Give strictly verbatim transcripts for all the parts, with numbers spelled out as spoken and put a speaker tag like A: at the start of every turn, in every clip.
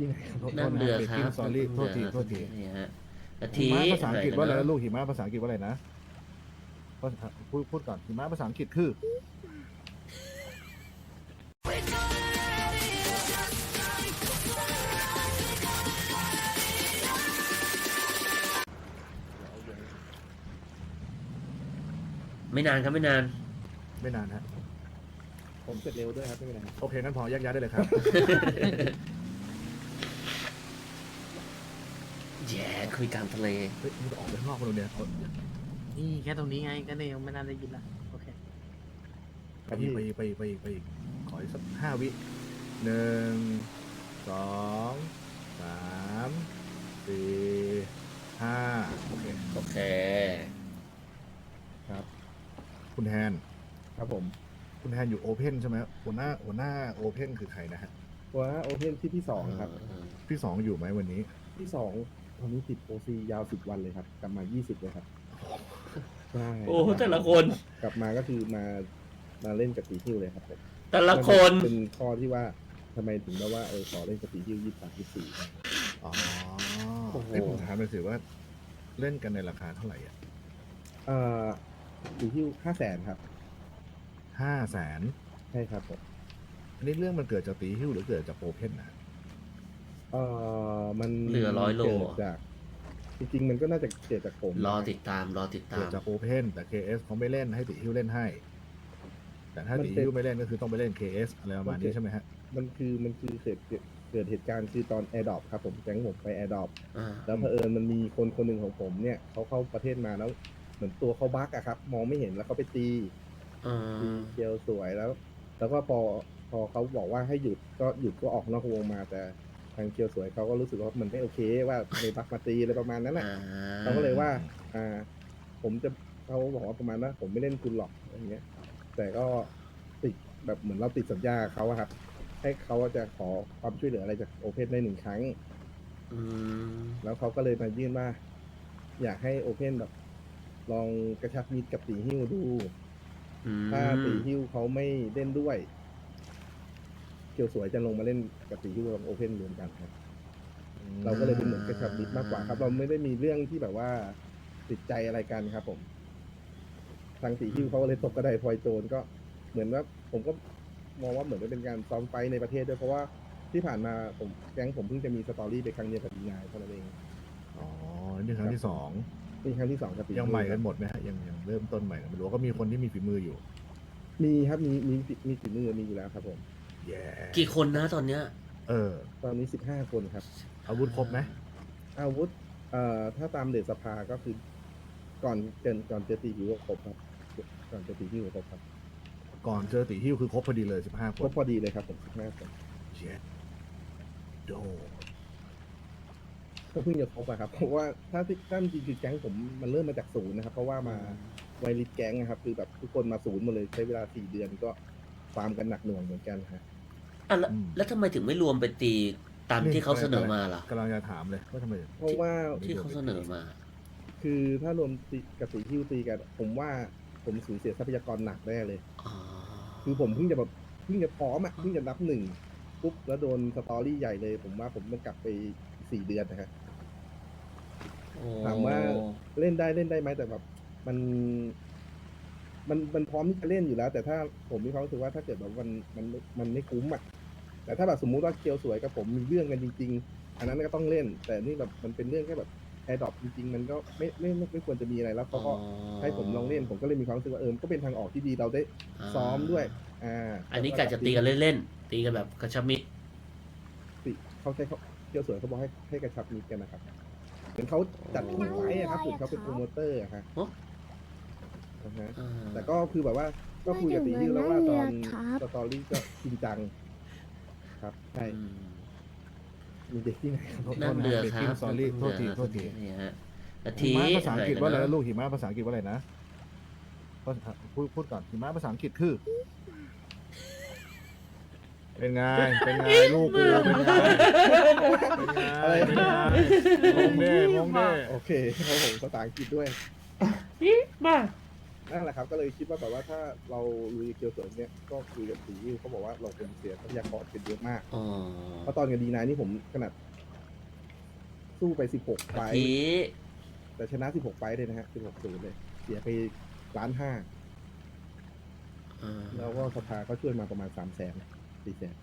A: ที่ไหนครับ
B: นั่งเรือครับ
C: สอรี่โทษทีโทษที
B: นี่ฮะกะ
C: หิ
B: ทิ
C: มะภาษาอังกฤษว่าอะไร
B: น
C: นะลูกหิมะภาษาอังกฤษว่าอะไรนะภาษาพูดพูดก่อนหิมะภาษาอังกฤษคือ
B: ไม่นานครับไม่นาน
C: ไม่นานฮะ
A: ผมเสร็จเร็วด้วยครับไม่เป็นไรครับ
C: โอเคนั้นพอแยกย้ายได้เลยครับ
B: แย่คุยกลางทะเล
C: เฮ้ยมึงจะออกไปข้างนอกมาดูเนี่ยเอา
D: นี่แค่ตรงนี้ไงก็เลยยังไม่น่าได้ยินละโอเค
C: ไปอีกไปอีกไปอีกไปอีกไปอีกขออีกสักห้าวิหนึ่งสองสามสี่ห้าโอเค
B: โอเค
A: ครับ
C: คุณแฮน
A: ครับผม
C: คุณแฮนอยู่โอเพนใช่ไหมหัวหน้าหัวหน้าโอเพนคือใครนะฮะ
A: ว่าโอเพนที่ที่สองครับ
C: พี่สองอยู่ไหมวันนี้
A: ที่สองตอนนี้ติดโอซียาวสิบวันเลยครับ กลับมายี่สิบเลยครับใช่
B: โอ้แต่ละคน
A: กลับมาก็คือมามาเล่นกับตีฮิ้วเลยครับผม
B: แต่ละคน
A: เป็นข้อที่ว่าทำไมถึงแบบว่าเออขอเล่นกับตีฮิ้วยี่สิบสามยี่สิบสี่
C: อ๋อ
A: โอ้โห
C: ไอ้ยผมถามเลยสิว่าเล่นกันในราคาเท่าไหร่อ่ะ
A: เอ่อตีฮิ้วห้าแสนครับ
C: ห้าแสน
A: ใช่ครับผม
C: อันนี้เรื่องมันเกิดจากตีฮิ้วหรือเกิดจากโอเพนนะ
A: เอ่อมัน
B: เหลือร้อยโล
A: เกิดจากจริงๆมันก็น่าจะเกิดจากผม
B: รอติดตามรอติดตา
C: เกิด
B: ม
C: จากโอเพนแต่ เค เอส เขาไม่เล่นให้ตีฮิ้วเล่นให้ แต่ถ้าตีฮิ้วไม่เล่นก็คือต้องไปเล่น เค เอส อะไรประมาณนี้ใช่ไหมฮะ
A: มันคือมันคือเกิดเกิดเกิดเหตุการณ์คือตอนแอร์ดรอปครับผมแก๊งผมไปแอร์ดรอป
B: อ่า
A: แล้วเผอิญมันมีคนคนหนึ่งของผมเนี่ยเขาเข้าประเทศมาแล้วเหมือนตัวเขาบั๊กอะครับ มองไม่เห็นแล้วเขาไปตี
B: อ่า
A: ตีเกลสวยแล้ว แล้วก็พอพอเขาบอกว่าให้หยุดก็หยุดก็ออกนอกวงมาแต่ทางเกลสวยเขาก็รู้สึกว่ามันไม่โอเคว่าในบั๊กมาตีอะไรประมาณนั้นแหละ
B: อ่า
A: เขาก็เลยว่า อ่า ผมจะเขาบอกว่าประมาณว่าผมไม่เล่นคุณหรอกอะไรเงี้ย แต่ก็ติดแบบเหมือนเราติดสัญญากับเขาอะครับ ให้เขาจะขอความช่วยเหลืออะไรจากโอเพนได้หนึ่งครั้ง
B: อืม
A: แล้วเขาก็เลยมายื่นว่า อยากให้โอเพนแบบ ลองกระชับมิตรกับตีฮิ้วดู
B: อืม
A: ถ้าตีฮิ้วเขาไม่เล่นด้วย เกียวสวยจะลงมาเล่นกับตีฮิ้วกับโอเพนรวมกันครับ เราก็เลยเป็นเหมือนกระชับมิตรมากกว่าครับ เราไม่ได้มีเรื่องที่แบบว่าติดใจอะไรกันครับผม ทางตีฮิ้วเขาก็เลยตกกระไดพลอยโจรก็เหมือนว่าผมก็มองว่าเหมือนเป็นการซ้อมไฟท์ในประเทศด้วยเพราะว่าที่ผ่านมาผมแก๊งผมเพิ่งจะมีสตอรี่ไปครั้งเดียวกับดีนายเท่านั้นเอง
C: อ๋อ นี่ครั้งที่สอง
A: นี่ครั้งที่สองกับตีฮิ้ว
C: ยังใหม่กันหมดไหมฮะยังยังเริ่มต้นใหม่กันไม่รู้ก็มีคนที่มีฝีมืออยู่
A: มีครับมีมีมีฝีมือมีอยู่แล้วครับผม
C: แย่
B: กี่คนนะตอนเนี้ย
C: เออ
A: ตอนนี้สิบห้าคนครับ
C: อาวุธครบไหม
A: อาวุธเอ่อถ้าตามเดชสภาก็คือ ก่อนเกินก่อนเจอตีฮิวก็ครบครับ ก่อนเจอตีฮิวก็ครบครับ
C: ก่อนเจอตีฮิ้วคือครบพอดีเลยสิบห้าค
A: ครบ
C: น
A: พอดีเลยครับผมสิบห้าคน
C: เจ็ดโด
A: ก็เพิ่งจะครบอะครับเพราะว่าถ้าที่ถ้าจริงๆคือแก๊งผมมันเริ่มมาจากศูนย์นะครับ เพราะว่ามาไวริสแก๊งนะครับ คือแบบทุกคนมาศูนย์หมดเลยใช้เวลาสี่เดือนก็ฟาร์มกันหนักหน่วงเหมือนกันฮะ
B: อ่ะแล้วแล้วทำไมถึงไม่รวมเป็นตีตามที่เขาเสนอมาล่ะ
C: กำลังจะถามเลยว่าทำไม
A: เพราะว่า
B: ที่เขาเสนอมา
A: คือถ้ารวมตีกับตีฮิวตีกันผมว่าผมสูญเสียทรัพยากรหนักแน่เลย
B: อ๋อ
A: คือผมเพิ่งจะแบบเพิ่งจะพร้อมอ่ะเพิ่งจะนับหนึ่งปุ๊บแล้วโดนสตอรี่ใหญ่เลย ผมว่าผมต้องกลับไปสี่เดือนนะฮะ
B: โอ้
A: ถามว่าเล่นได้เล่นได้ไหมแต่แบบมัน มันมันพร้อมที่จะเล่นอยู่แล้ว แต่ถ้าผมมีความรู้สึกว่าถ้าเกิดแบบมันมันมันไม่คุ้มอ่ะแต่ถ้าแบบสมมุติว่าเกียวสวยกับผมมีเรื่องกันจริง ๆ อันนั้นก็ต้องเล่น แต่นี่แบบมันเป็นเรื่องแค่แบบแอร์ดรอปจริงๆ มันก็ไม่ไม่ไม่ไม่ควรจะมีอะไรแล้วเขาก็ให้ผมลองเล่น ผมก็เลยมีความรู้สึกว่าเออก็เป็นทางออกที่ดีเราได้ซ้อมด้วย อ่า
B: อันนี้กะจะตีกันเล่นๆตีกันแบบกระชับมิตร
A: ติเขาใช้เขาเกียวสวยเขาบอกให้ให้กระชับมิตรกันนะครับเหมือนเขาจัดคู่ไฟท์อะครับเหมือนเขาเป็นโปรโมเตอร์อะครับ
B: โอ้
A: อ่าฮะ
B: อ่า
A: แต่ก็คือแบบว่าก็คุยกับตีฮิวแล้วว่าตอน
E: ครับ
A: สตอรี่ก็จริงจัง ครับใช่
B: อืม
A: มีเด็กที่ไหนครับ
B: นั่งเรือครับ
C: สอรี่โทษทีโทษที
B: นี่ฮะกะ
C: หิ
B: ทิ
C: มะภาษาอังกฤษว่าอะไร
B: น
C: นะลูกหิมะภาษาอังกฤษว่าอะไรนะภาษาพูดพูดก่อนหิมะภาษาอังกฤษคือ เป็นไงเป็นไงลูกกูเป็นไงเป็นไงเป็นไงมองเด้มองเด้
A: โอเคครับผมภาษาอังกฤษด้วย
B: มา
A: นั่นแหละครับก็เลยคิดว่าแบบว่าถ้าเราลุยเกียวสวยเนี้ยก็คุยกับสีเขาบอกว่าเราเป็นเสียทรัพยากรเป็นเยอะมาก
B: อ๋อ
A: เพราะตอนกับดีนายนี่ผมขนาดสู้ไปสิบหกไฟ
B: เมื่อ
A: ท์
B: กี้
A: แต่ชนะสิบหกไฟท์เลยนะฮะสิบหกศูนย์เลย เสียไปล้านห้า
B: อ่า
A: แล้วก็สภาก็ช่วยมาประมาณสามแสนสี่แสน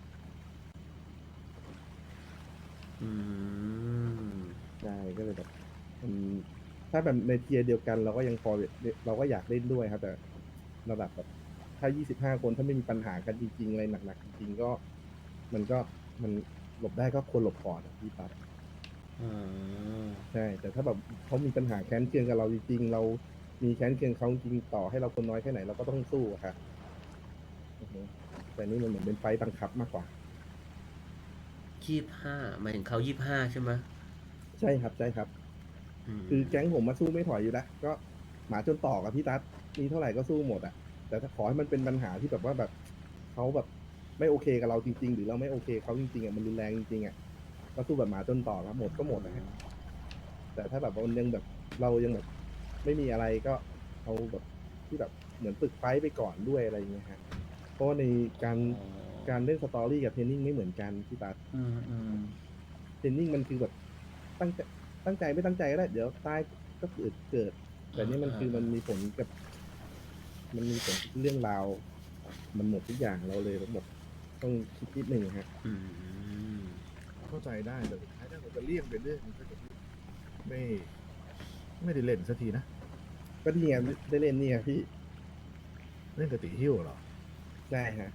B: อืม
A: ใช่ก็เลยแบบมันถ้าแบบในเทียร์เดียวกันเราก็ยังพอเราก็อยากเล่นด้วยครับ แต่ระดับแบบถ้ายี่สิบห้าคนถ้าไม่มีปัญหากันจริงๆอะไรหนักๆจริงๆก็ มันก็มันหลบได้ก็ควรหลบก่อนอะพี่ปั๊บ
B: อ่า
A: ใช่ แต่ถ้าแบบเขามีปัญหาแค้นเคืองกับเราจริงๆเรามีแค้นเคืองเขาจริงต่อให้เราคนน้อยแค่ไหนเราก็ต้องสู้อะครับอือฮึแต่นี่มันเหมือนเป็นไฟต์บังคับมากกว่า
B: ยี่สิบห้าหมายถึงเขายี่สิบห้าใช่ไหม
A: ใช่ครับใช่ครับ
B: ม
A: คือแก๊งผมมาสู้ไม่ถอยอยู่แล้วก็หมาจนต่อกับพี่ตั๊ดมีเท่าไหร่ก็สู้หมดอะแต่ถ้าขอให้มันเป็นปัญหาที่แบบว่าแบบเขาแบบไม่โอเคกับเราจริง ๆ หรือเราไม่โอเคเขาจริงๆอะมันรุนแรงจริงๆอะก็สู้แบบหมาจนต่อครับหมดก็หมดนะฮะแต่ถ้าแบบว่ามันยังแบบเรายังแบบไม่มีอะไรก็เอาแบบที่แบบเหมือนฝึกไฟต์ไปก่อนด้วยอะไรอย่างเงี้ยฮะเพราะว่าในการ
B: อ๋อ
A: การเล่นสตอรี่กับเทรนนิ่งไม่เหมือนกันพี่ตั๊ด
B: อืมอืม
A: เทรนนิ่งมันคือแบบตั้งใจตั้งใจไม่ตั้งใจก็ได้เดี๋ยวตายก็เกิดเกิด แต่นี่มันคือมันมีผลกับ มันมีผลเรื่องราว มันหมดทุกอย่างเราเลยทั้งหมดต้องคิดนิดหนึ่งฮะ
B: อืม
C: เข้าใจได้แต่สุดท้ายถ้าเราจะเลี่ยงไปเรื่องมันก็จะไม่ ไม่ได้เล่นสักทีนะ
A: ก็ที่ไงได้เล่นนี่ไงพี่
C: เล่นกับตีหิ้วเหรอ
A: ใช่ฮะ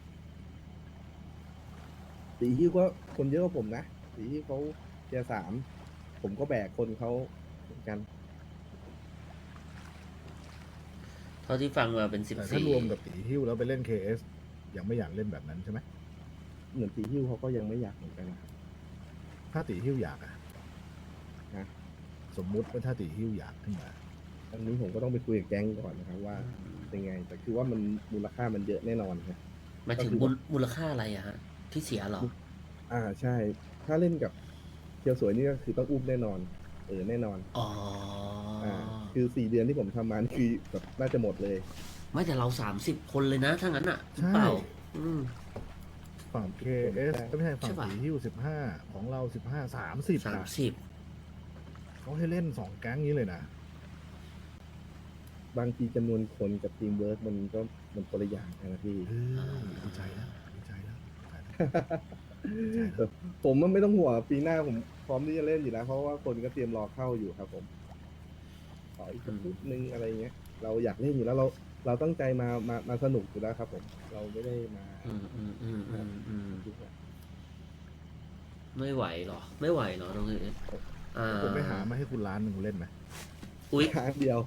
A: ตีฮิ้วก็คนเยอะกว่าผมนะตีฮิ้วเขาเทียร์สามผมก็แบกคนเขาเหมือนกัน
B: เท่าที่ฟังมาเป็นสิบ
C: แต่ถ้า
B: สี่
C: รวมกับตีหิ้วแล้วไปเล่น เค เอส ยังไม่อยากเล่นแบบนั้นใช่ไหม
A: เหมือนตีฮิ้วเขาก็ยังไม่อยากเหมือนกันนะครับ
C: ถ้าตีหิ้วอยากอะ
A: ฮะ
C: สมมุติว่าถ้าตีหิ้วอยากขึ้นมา
A: อันนี้ผมก็ต้องไปคุยกับแก๊งก่อนนะครับว่าเป็นไง แต่คือว่ามันมูลค่ามันเยอะแน่นอนครับ
B: หมายถึงมูลมูลค่าอะไรอะฮะ ที่เสียเหรอ
A: อ่าใช่ ถ้าเล่นกับเคียวสวยนี่ก็คือต้องอุ้มแน่นอน เออแน่นอน
B: อ๋อ
A: อ่า คือสี่เดือนที่ผมทำมานี่คือแบบน่าจะหมดเลย
B: ไม่แต่เราสามสิบคนเลยนะถ้างั้นอะ
C: ใช่
B: เปล่า อืม
C: ฝั่ง เค เอส ก็ไม่ใช่ฝั่ง
B: ใช่ปะ
C: ตีหิ้วสิบห้าของเราสิบห้าสามสิบ
B: สามสิบ
C: เขาให้เล่นสองแก๊งนี้เลยนะ
A: บางทีจำนวนคนกับทีมเวิร์กมันก็มันคนละอย่างกันนะพี่
C: เออดีใจแล้วดีใจแล้วดีใจแล้ว
A: แต่ผมมันไม่ต้องห่วงปีหน้าผมพร้อมที่จะเล่นอยู่แล้วเพราะว่าคนก็เตรียมรอเข้าอยู่ครับผมขออีกสักนิดนึงอะไรเงี้ย เราอยากเล่นอยู่แล้วเราเราตั้งใจมามามาสนุกอยู่แล้วครับ ผม เราไม่ได้มา
B: อืมอืมอืมอืมอืมไม่ไหวเหรอ ไม่ไหวเหรอตรงนี้อ่า
C: ผมไปหามาให้คุณร้านหนึ่งคุณเล่นไหม
B: อุ๊ย
A: ร้านเดียว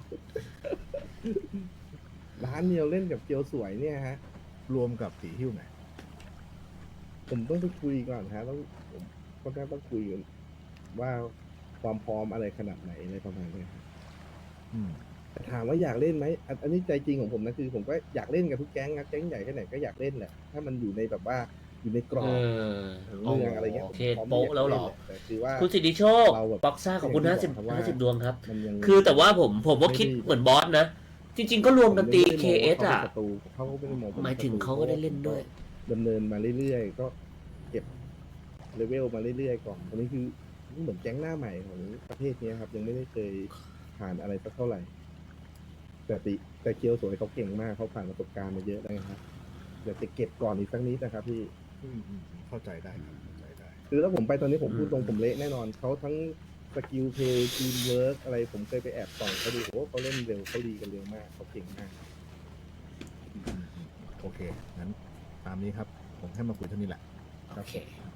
A: ร้านเดียวเล่นกับเกียวสวยเนี่ยฮะ
C: รวมกับตีหิ้วไหม
A: ผมต้องไปคุยก่อนฮะต้องผมก็น่าต้องคุยกันว่าความพร้อมอะไรขนาดไหนอะไรประมาณเนี้ยครับ
C: อืม
A: แต่ถามว่าอยากเล่นไหมอันอันนี้ใจจริงของผมนะคือ ผมก็อยากเล่นกับทุกแก๊งนะแก๊งใหญ่แค่ไหนก็อยากเล่นแหละถ้ามันอยู่ในแบบว่าอยู่ในกรอ
B: เอบ อ
A: ของเมืองอะไรเงี้ย
B: โอเค
A: ผมพร้อม
B: โป๊ะ
A: ที่จะ
B: แล้วเหรอ
A: นละแต่คือว่า
B: คุณสิทธิโชค
A: เราแบบ
B: บ็อกซ่าขอบคุณ
A: อ
B: ห้า
A: ย่างที่
B: สิบ
A: บอกครับว่า
B: ห้าสิบดวงครับ
A: มันยัง
B: คือแต่ว่าผมผมว่าคิด
A: ไม่ได้
B: เหมือนบอสนะ จริง ๆ ก็รวมกันตี
A: ผม
B: เค
A: ยัง
B: เอ
A: ไม่
B: ส
A: ได้มอง
B: อ่ะ
A: ว่าเขาเป็นศัตรูเขาก็ไม่ได้มองผ
B: หมายถึง
A: ป็นศัตรู
B: เขาก็ได้เล่นด้วย
A: ดำเนินมาเรื่อยๆก็เก็บเลเวลมาเรื่อยๆก่อนอันนี้คือเหมือนแก๊งหน้าใหม่ของประเทศนี้ครับ ยังไม่ได้เคยผ่านอะไรสักเท่าไหร่ แต่ติแต่เคียวสวยเขาเก่งมากเขาผ่านประสบการณ์มาเยอะแล้วนะครับเดี๋ยวจะเก็บก่อนอีกสักนิดนะครับพี่
C: อืมอืมอืมเข้าใจได้ครับเข้าใจได้
A: คือถ้าผมไปตอนนี้ผมพูดตรง
B: อืม
A: ผมเละแน่นอนเขาทั้งสกิลเพย์ทีมเวิร์กอะไรผมเคยไปแอบส่องเขาดูโอ้โหเขาเล่นเร็วเขาดีกันเร็วมากเขาเก่งมาก
C: อืมอืมอืมโอเค งั้นตามนี้ครับ ผมให้มาคุยเท่านี้แหละ
B: โอเค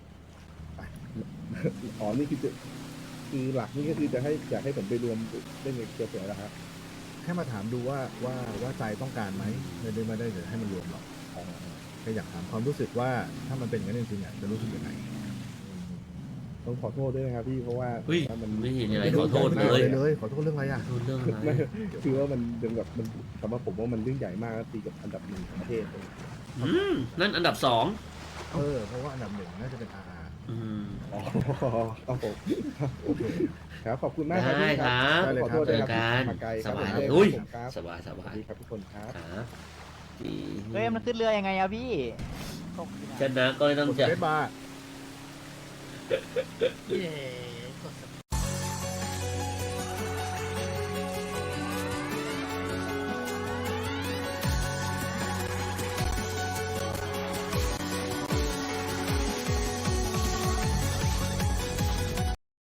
A: อ๋อนี่คือจะคือหลักนี่ก็คือจะให้อยากให้ผมไปรวมเล่นกับเกียวสวยแล้วครับ
C: แค่มาถามดูว่าว่าว่าใจต้องการไหมไม่ได้ไม่ได้จะให้มันรวมหรอกแค่อยากถามความรู้สึกว่าถ้ามันเป็นอย่างนั้นจริงๆอ่ะจะรู้สึกยังไง
A: ต้องขอโทษด้วยนะครับพี่เพราะว่า
B: เฮ้ย
A: ว่ามัน
B: ไม่เห็นอะไรขอโทษ
C: ไม่
B: เล
C: เลย ยเลยขอโทษเรื่องอะไรอ่ะ
B: โทษเรื่องอะไร
A: ไม่คือว่ามันเป็นแบบมันสำหรับผมว่ามันเรื่องใหญ่มากตีกับอันดับหนึ่งของประเทศเลย
B: อืมนั่นอันดับสอง
C: เออเพราะว่าอันดับหนึ่งน่าจะเป็นอาร์
B: อืม
A: อ๋อครับผม
C: โอเค
A: ครับขอบคุณมากครับ
B: ได้
A: พี่
B: ครับ
A: ขอโทษ
B: เจ
A: ด้วย
B: อ
A: ครับ
B: กัน
A: มาไกล
B: สบาย
A: ค
B: ค
A: รั
B: รั
A: บบ
B: อุ้ย
A: ผมครับ
B: สบายส
A: ส
B: บา
A: วัส
B: ย
A: ดีครับทุกคนครับ
B: ครับดี
E: เฮ้ยมันขึ้นเรือยังไงอะพี่ตกอยู่
B: ช
E: นะ
B: นะก็ต้อง
C: กด
B: จะ
C: เฟซมา
D: เย้